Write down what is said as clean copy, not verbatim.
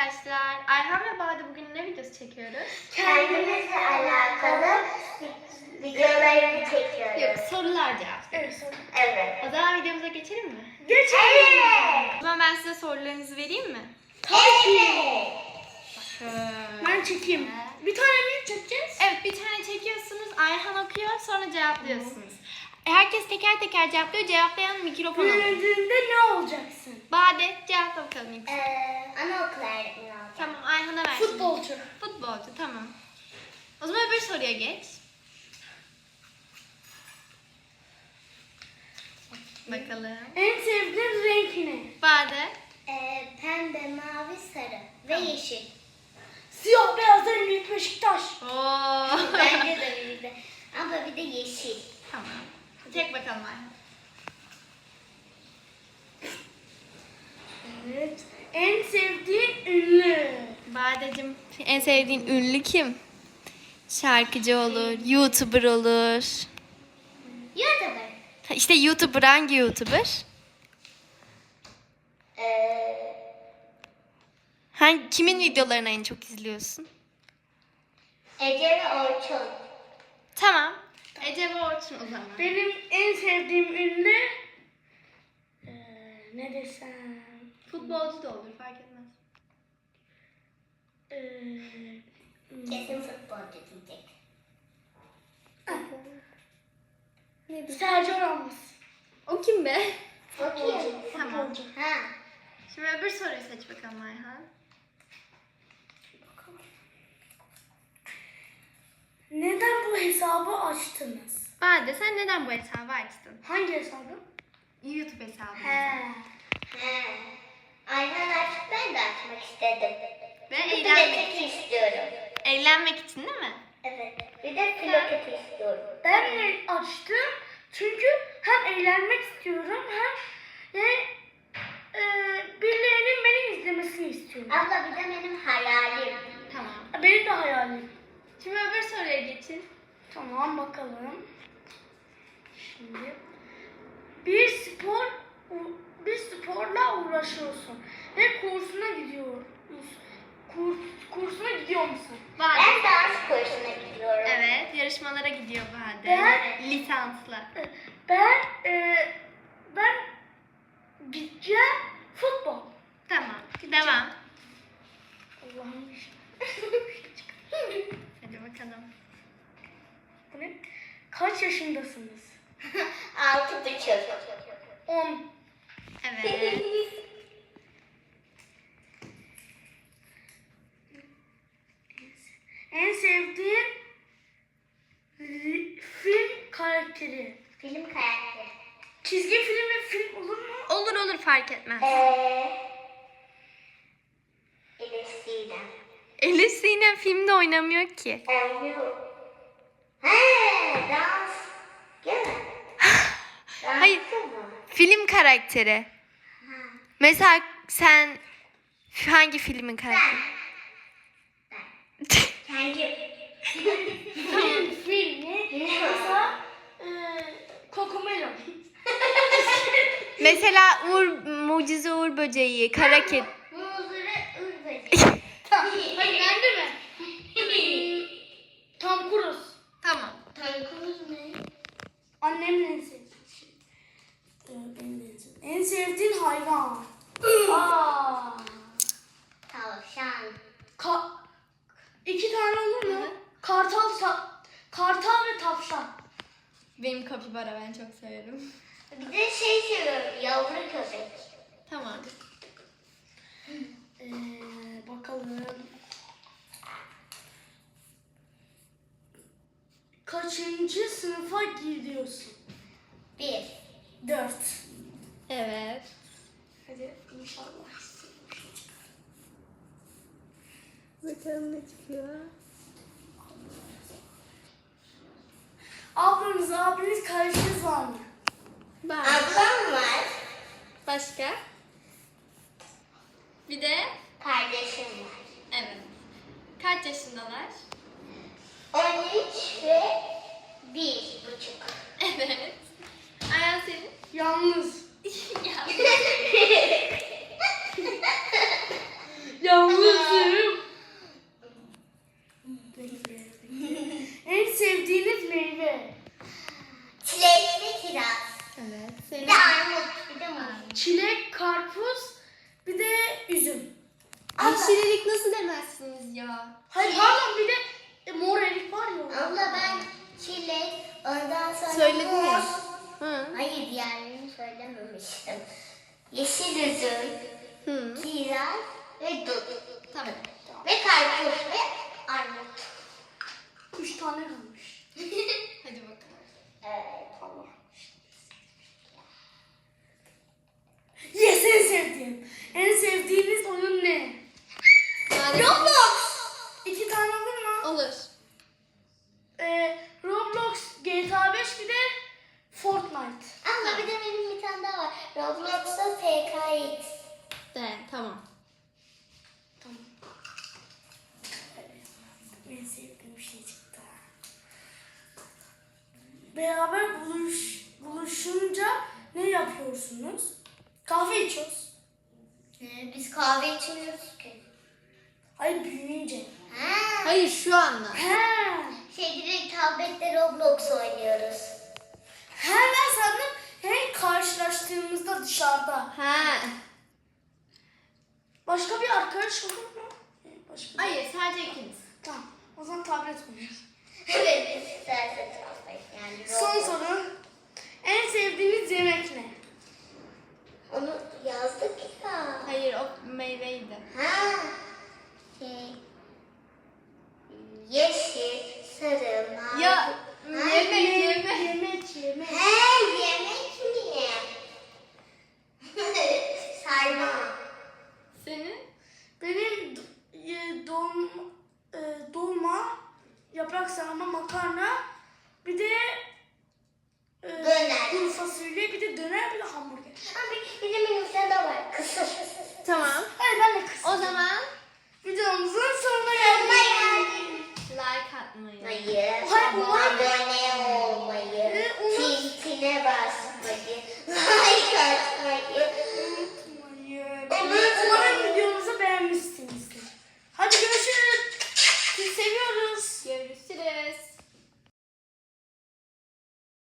arkadaşlar. Ayhan ve Bade bugün ne videosu çekiyoruz? Kendimizle alakalı videolarını çekiyoruz. Yok, sorular cevap. Evet. O zaman videomuza geçelim mi? Geçelim. O zaman ben size sorularınızı vereyim mi? Evet. Ben çekeyim. Bir tane mi çekeceğiz? Evet, bir tane çekiyorsunuz. Ayhan okuyor, sonra cevaplıyorsunuz. Herkes teker teker cevaplıyor. Cevaplayan mikrofon alıyor. Büyüdüğünde ne olacaksın? Bade cevapla bakalım ilk. Anaokul öğretmeni olacağım. Tamam, Ayhan'a ver. şimdi. Futbolcu. Futbolcu, tamam. O zaman öbür soruya geç. Bakalım. En sevdiğin renk ne? Bade. Pembe, mavi, sarı ve yeşil. Siyah beyaz en büyük Beşiktaş. Oo. Bence de bizde. Ama bir de yeşil. Tamam. Çek bakalım Ayhan. Evet. En sevdiğin ünlü. Badeciğim, en sevdiğin ünlü kim? Şarkıcı olur, YouTuber olur. YouTuber. İşte YouTuber, hangi YouTuber? Kimin videolarını en çok izliyorsun? Ece ve Orçun. Tamam. Ece ve Orçun o zaman. Benim en sevdiğim ünlü ne desem? Futbolcu da olur, fark etmez. Kesin futbolcu diyecek. Sergio Ramos. O kim be? Bakayım. Tamam. Ha. Şimdi öbür soruyu seç bakalım Ayhan. Neden bu hesabı açtınız? Bade, sen neden bu hesabı açtın? Hangi hesabı? YouTube hesabı. He. Ayhan artık ben de açmak istedim. Ve Bir de eğlenmek, plaket istiyorum. eğlenmek için değil mi? Evet. Bir de plaket istiyorum. Ben de açtım çünkü hem eğlenmek istiyorum hem de birilerinin beni izlemesini istiyorum. Abla bir de benim hayalim. Tamam. Benim de hayalim. Şimdi öbür soruya geçin. Tamam bakalım. Şimdi bir sporla uğraşıyorsun ve kursuna gidiyorsun. Kursuna gidiyor musun? Bade. Ben dans kursuna gidiyorum. Evet, yarışmalara gidiyor Bade. Ben- Lisanslı. Ben gideceğim futbol. Tamam. Devam. Allah'ım. Hadi bakalım. Bu ne? Kaç yaşındasınız? 6,5. 10. Evet. En sevdiğin film karakteri. Film karakteri. Çizgi film ve film olur mu? Olur olur, fark etmez. Elif Sinem. Elif Sinem filmde oynamıyor ki. Dans. Değil mi? Hayır. Dansçı mı? Film karakteri. Mesela sen hangi filmin karakteri? Kendim. Film ne? Mesela Cocomelon. Mesela Mucize Uğur Böceği, Kara Kedi. Muzları ırbacı. Hayır ben de mi? Tom Cruise. Tamam. Tankumuz ne? Annemin en sevdiği şey. Benim en sevdiğin hayvan. Aa. Tavşan. 2 tane olur mu? Kartal ve tavşan. Benim kapibara, ben çok severim. Bir de şey seviyorum. Yavru köpek. Tamam. Bakalım. Kaçıncı sınıfa gidiyorsun? 1. 4. Evet. Hadi inşallah. Bakalım ne çıkıyor. Abiniz, kardeşiniz var mı? Ablam var. Başka? Bir de? Kardeşim var. Evet. Kaç yaşındalar? 13 ve 1,5. Evet. Ayhan senin? Yalnız. Ya. Yalnız. karpuz, bir de üzüm. Yeşil erik nasıl demezsiniz ya? Hayır pardon, bir de mor erik var ya. Abla ben çilek, ondan sonra Söyledin muz. ya. Hı. Hayır, diğerlerini söylememiştim. Yeşil üzüm, Hı. kiraz ve dut. Tamam. Ve karpuz ve armut. 3 tane kalmış. Hadi bakalım. Evet. Allah. Yes, en sevdiğim. En sevdiğiniz oyun ne? Roblox. 2 tane olur mu? Olur. Roblox, GTA 5, bir de Fortnite. Abla bir de benim bir tane daha var. Roblox'ta PKX. De, tamam. Tamam. En sevdiğim şey çıktı. Beraber buluşunca ne yapıyorsunuz? Kahve içiyoruz. Biz kahve içmiyoruz ki. Hayır, büyüyünce. Ha. Hayır, şu anda. He. Direkt tablette Roblox oynuyoruz. Ben sandım karşılaştığımızda dışarıda. Ha. Başka bir arkadaş olur mu? Başka bir... Hayır, sadece ikiniz. Tamam. O zaman tablet oynuyoruz. Evet, biz istersen tablet yani. Son Roblox. soru. En sevdiğiniz yemek ne? Onu yazdık ya. Hayır, o meyveydi. Ha. Şey. Yeşil, sarı, mavi. Ya, Ha, yemek. Yemek. He, yemek mi? Sarma. Senin? Benim dolma, yaprak sarma, makarna, bir de Döner. kuru fasulye, bir de döner, bir de hamburger. Abi bizim